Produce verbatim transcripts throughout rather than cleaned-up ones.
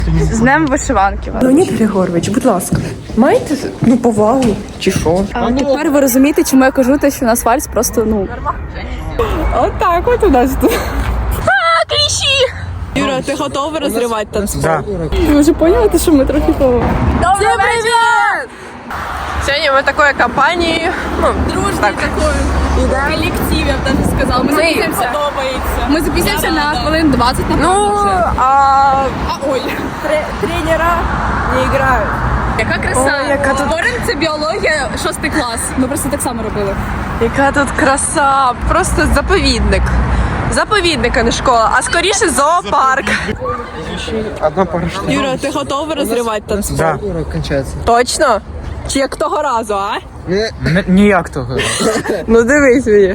З днем вишиванки. Леонід Григорович, будь ласка, маєте ну, повагу чи що? А тепер ви розумієте, чому я кажу те, що у нас вальс просто, ну... Отак от у нас тут. А, кліщі! Юра, ти готова розривати танцпол? Да. Ви вже поняли, що ми трохи того? Всім привіт! Сьогодні ми такої компанії, ну, Дружний такой колектив, я б даже сказала. Ми записуємося. Ми записуємося на хвилин двадцять, напевно, ну, вже. а, А, ой. тренера не грають. Яка краса. Ой, яка тут- Горин – це біологія, шостий клас. Ми просто так само робили. Яка тут краса, просто заповідник. Заповідник, а не школа, а скоріше зоопарк. Одна пара штук. Юра, ти готова розривати танцпол? Да. Кончається. Точно? Чи як того разу, а? Н- Ніяк того. Ну дивись мені.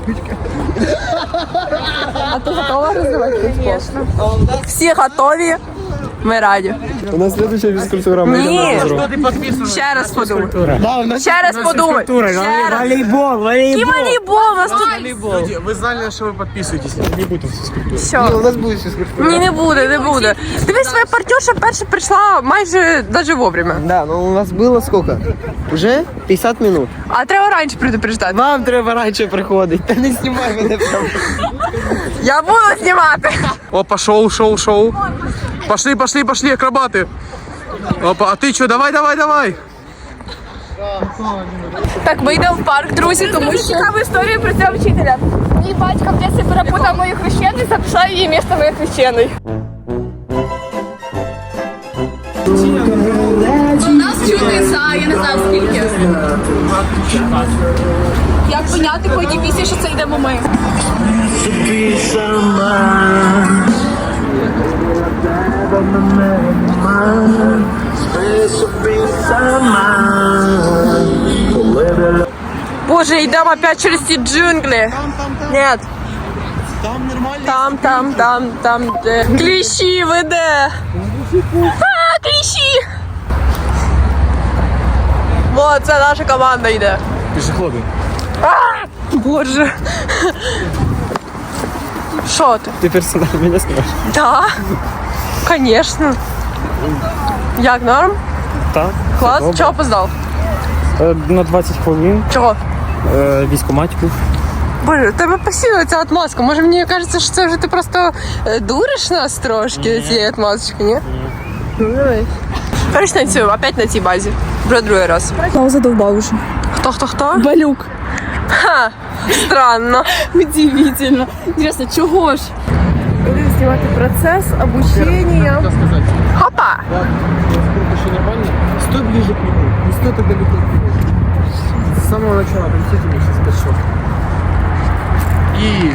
А ти готова розривати танцпол? Всі готові? Ми раді. У нас следующая физкультура. Мы Ні. идем на физру. Ще раз подумай. Да, у нас Ще раз подумай. Ще раз. Волейбол, І волейбол, у нас тут... Ви знали, що ви підписуєтесь. Не буде фізкультури. Все. у нас будет физкультура. Ні, не буде, не буде. Дивись, твоя партнерша перша прийшла майже даже вовремя. Да, но у нас было сколько? Уже пятьдесят минут. А треба раніше предупреждати. Вам треба раніше приходити. Та не знімай мене прям. Я буду знімати. Опа, шоу, шоу, шоу. Пошли, пошли, пошли, акробаты. Опа, а ты что, давай, давай, давай. Так, ми йдемо в парк, друзі, тому що... Цікаву історію про цього вчителя. Мій батько в дитинстві перепутав мою хрещену і записав її місто моєї хрещеної. Нас чути за, я не знаю скільки. Як поняти по одній пісні, що це йдемо ми? Боже, йдемо опять через ці джунглі. Нет. Там нормально. Там, там, там, там, де. Кліщі веде. А, кліщі. Вот, це наша команда йде. Пешеходы. Боже. Що ти? Ты персонаж меня скажешь? Да, конечно. Як, норм? Так. Клас? Чого опоздав? На двадцять хвилин. Чого? Військоматів. Боже, у тебе постійно ця отмазка. Може, мені кажеться, що це вже ти просто е, дуриш нас трошки цієї отмазочки, ні? Ну, давай. Короче, танцюємо, опять на цій базі. Вже другий раз. Пауза задовбав уже. Хто, хто, хто? Балюк. Ха, странно. Удивительно. Интересно, чого ж? Будемо знімати процес обучення. Хопа! Все нормально? Стой ближе к нему. Не стой так далеко. С самого начала принесите мне сейчас скачок. И...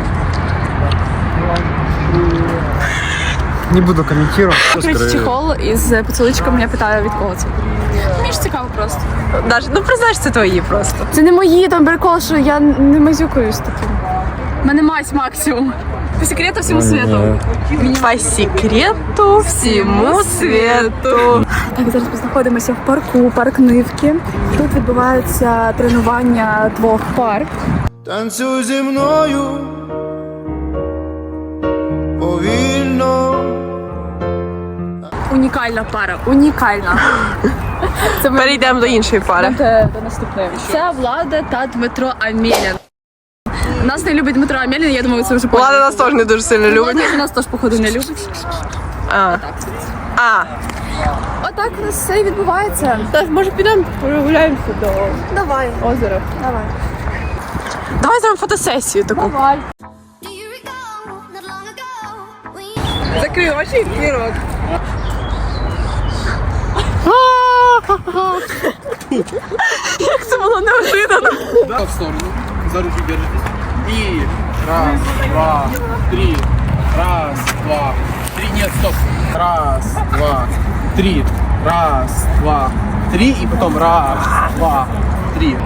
Не буду комментировать. Короче, чехол із поцілунчиком, я питаю, від кого це. Мені ж цікаво просто. Даже, ну признай, це твої просто. Це не мої, там прикол, що я не мазюкаюсь таким. У мене мать максимум. По секрету всьому світу. По секрету всьому світу. Так, зараз ми знаходимося в парку, парк Нивки. Тут відбуваються тренування двох пар. Танцюй зі мною повільно. Унікальна пара, унікальна. Це ми Перейдемо до іншої пари. До, до наступної. Це Влада та Дмитро Амєлін. Нас не любить Дмитро Амєлін, я думаю, ви це вже поняли. Влада нас теж не дуже сильно любить. Влада нас теж, походу, не любить. А. А. Отак у нас все і відбувається. Так, може підемо прогуляємося до Давай. озера. Давай. Давай зробимо фотосесію таку. Давай. Do you recall not long ago we Закрий очі і рот. Як це було неожиданно. Да, в сторону. За руки держитесь. И раз, два, три. Раз, два, три. Нет, стоп. Раз, два, три. Раз, два, три. И потом раз, два, три.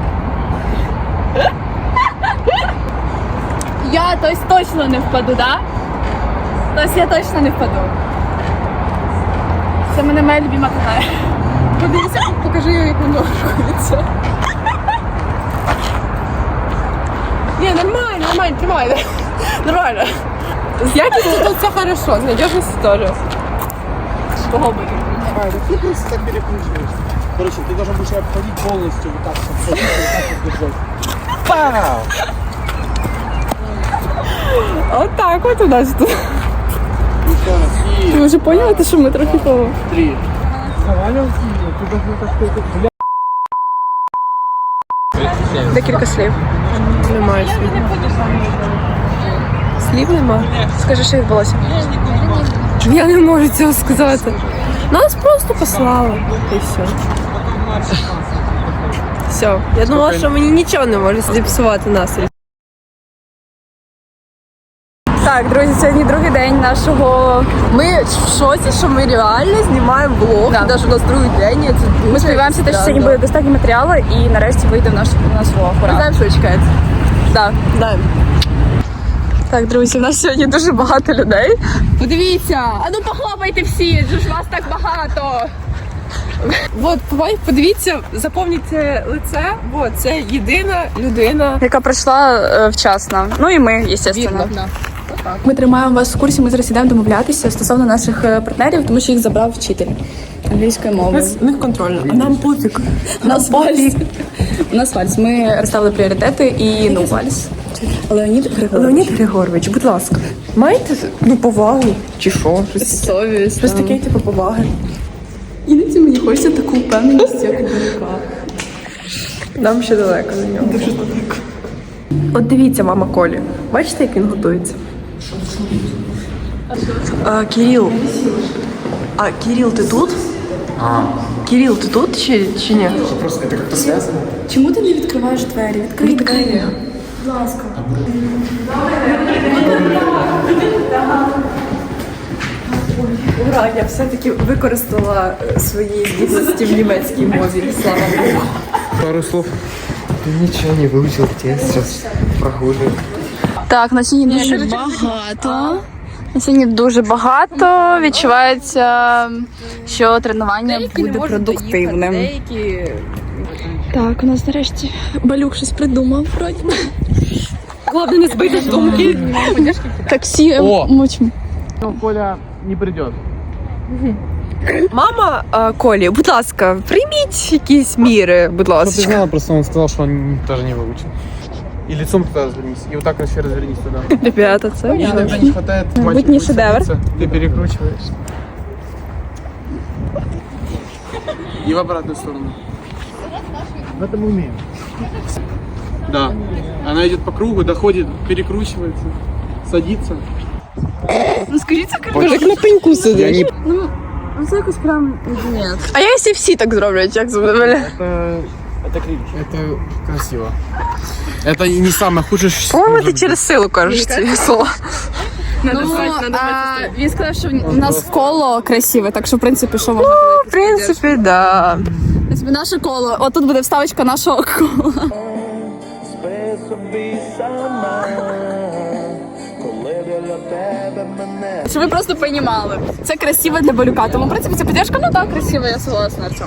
Я то есть, точно не впаду, да? Тобто я точно не впаду. Це мене моя любима катає. Подивіться, покажи, як воно рухається. Ні, нормально, нормально, тримай. Нормально. З якістю тут все хорошо, з надіжністю теж. Кого би? А, да ты просто так перекручиваешься. Короче, ты должен будешь обходить полностью вот так, вот, вот так вот держать. Пау! От так от у нас тут. Еще раз. И Ви вже поняли, що ми трохи того? три. Заваливался, ты должен так сказать, бля. Декілька слів. Немає слів. Слів нема? Скажи, що відбулося. Я не можу цього сказати. Нас просто послали. І все. Все. Я думала, що мені нічого не може зіпсувати настрій. Так, друзі, сьогодні другий день нашого. Ми в шоці, що ми реально знімаємо влог. Да. Навіть у нас другий день. Це дуже Ми сподіваємося, що сьогодні буде достатньо матеріалу і нарешті вийде в наш, в наш влог. Ми Ура. знаємо, що чекається. Так, знаємо. Так, друзі, у нас сьогодні дуже багато людей. Подивіться! А ну похлопайте всі, ж вас так багато. От, подивіться, запам'ятайте лице. От, це єдина людина. Яка прийшла е, вчасно. Ну і ми, звісно. Видно. Ми тримаємо вас в курсі, ми зараз йдемо домовлятися стосовно наших е, партнерів, тому що їх забрав вчитель англійської мови. У них контрольно, а нам пофіг. У нас вальс. У нас вальс. Ми розставили пріоритети і ну вальс. Леонід Григорович. Леонід Григорович, будь ласка, маєте ну, повагу чи що? Щось, Совість. щось таке, типу, поваги. Іноді мені хочеться таку впевненість, як у Данюка. Нам ще далеко до нього. Дуже далеко. От дивіться, мама Колі. Бачите, як він готується? А, Кирил. А, Кирил, ти тут? А. Кирил, ти тут чи, чи ні? Просто это как-то связано. Чому ти не відкриваєш двері? Відкрий двері. Будь ласка. Ура, я все-таки використала е, свої здібності в німецькій мові. Слава Богу. Пару слов. Ты ничего не выучил, тебе сейчас прогуливаю. Так, на сьогодні дуже багато. На сьогодні дуже багато. Відчувається, що тренування буде продуктивним. Деякі... Так, у нас нарешті Балюк щось придумав. Вроді. Головне не збити з думки. Таксі О! мучимо. Ну, Коля не придет. Мама а, Колі, будь ласка, прийміть якісь міри, будь Чтобы ты ласка. знала, просто он сказал, что он даже не выучил. И лицом туда развернись. И вот так еще развернись туда. Ребята, це И иногда не хватает. мальчик Быть не будет шедевр. садиться, ты перекручиваешь. И в обратную сторону. В этом умеем. Да. Она идет по кругу, доходит, перекручивается, садится. Ну скажіть, це як на пеньку сидиш. ну, це якось прям ні. А я якщо всі так зроблять, як з мене? Это, это, это красиво. Это не самое худшее, что По-моєму, ти может через силу кажеш ці слова. Ну, а, він сказав, що в нас коло красиве, так що, в принципі, що можна В принципі, да. буде? Наше коло. Отут буде вставочка нашого кола. Щоб ви просто розуміли. Це красиво для Балюка. Тому, в принципі, ця підтримка, ну так, красиво, я согласна, Артем.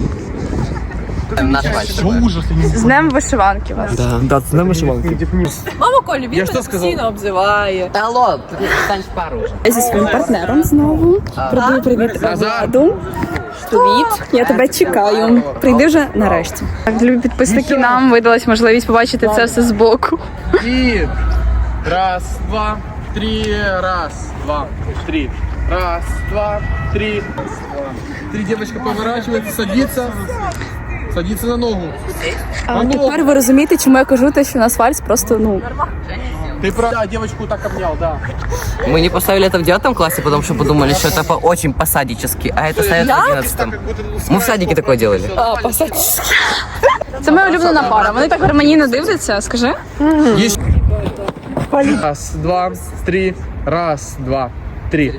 Что ужас, я не З днем вишиванки вас. Да, да, ты знаешь, вышивалки? Мама Колі, він Я мене що сказав? постійно обзиває. Алло, ты стань в пару уже. Я зі своїм партнером знову. Передаю привіт Владу. Привіт, я тебе чекаю. Прийди вже нарешті. Так, любі підписники, нам видалась можливість побачити це все збоку. И раз, два, три, раз, два, три, раз, два, три, раз, два. Три, девочка поворачивается, садится, садится на ногу. А тепер ви розумієте, чому я кажу те, що у нас вальс просто, ну, Ты прав, да, девочку так обнял, да. Мы не поставили это в девятом классе, потому что подумали, что это по- очень по-садически, а это ставят в одиннадцатом. Мы в садике такое делали. А, посадськи. це моя улюблена пара. Вони так гармонійно дивляться, скажи. Есть. Раз, два, три, раз, два, три.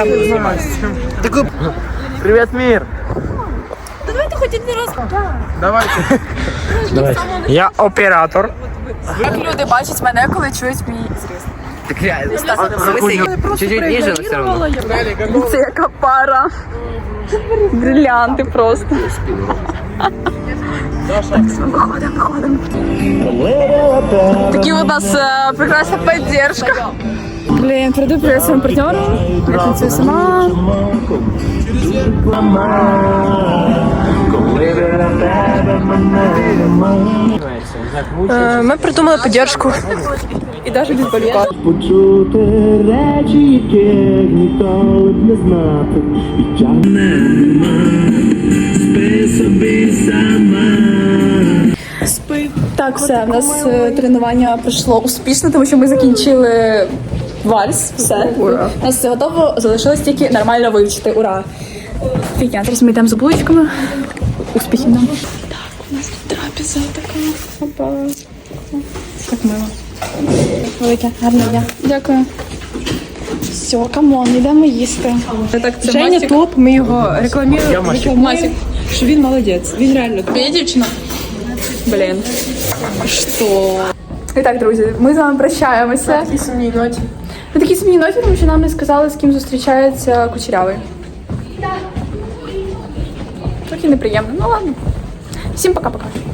Привет, мир. Давайте хоч один раз. Давайте. Я оператор. Як люди бачать мене, коли чують мій зріст. Так реально. В смысле, чуть-чуть ниже, но все равно. Це яка пара. Бриллианти просто. Виходимо, виходимо. Такі у нас е, прекрасна підтримка. Блін, перейду привіт своєму партнеру. Я танцюю сама. Е, Ми придумали підтримку. І навіть без балюка. Почути речі, яких ніколи б не знати. І тягне, спи собі сама. Спи. Так, все, в нас е, тренування пройшло успішно, тому що ми закінчили вальс. Все. Ура. У нас все готово, залишилось тільки нормально вивчити. Ура! Фігня. Зараз ми йдемо за булочками. Успіхів нам. Так, у нас тут трапеза така. Опа. Так мило. Велике, гарне дня. Дякую. Все, камон, йдемо їсти. Так, Женя топ, ми його рекламуємо, рекламуємо, що він молодець. Він реально топ. Є дівчина? Блін. Що? І так, друзі, ми з вами прощаємося. Такі сумні ноті. На такій сумній ноті, тому що нам не сказали, з ким зустрічається Кучерявий. Трохи неприємно. Ну ладно. Всім пока-пока.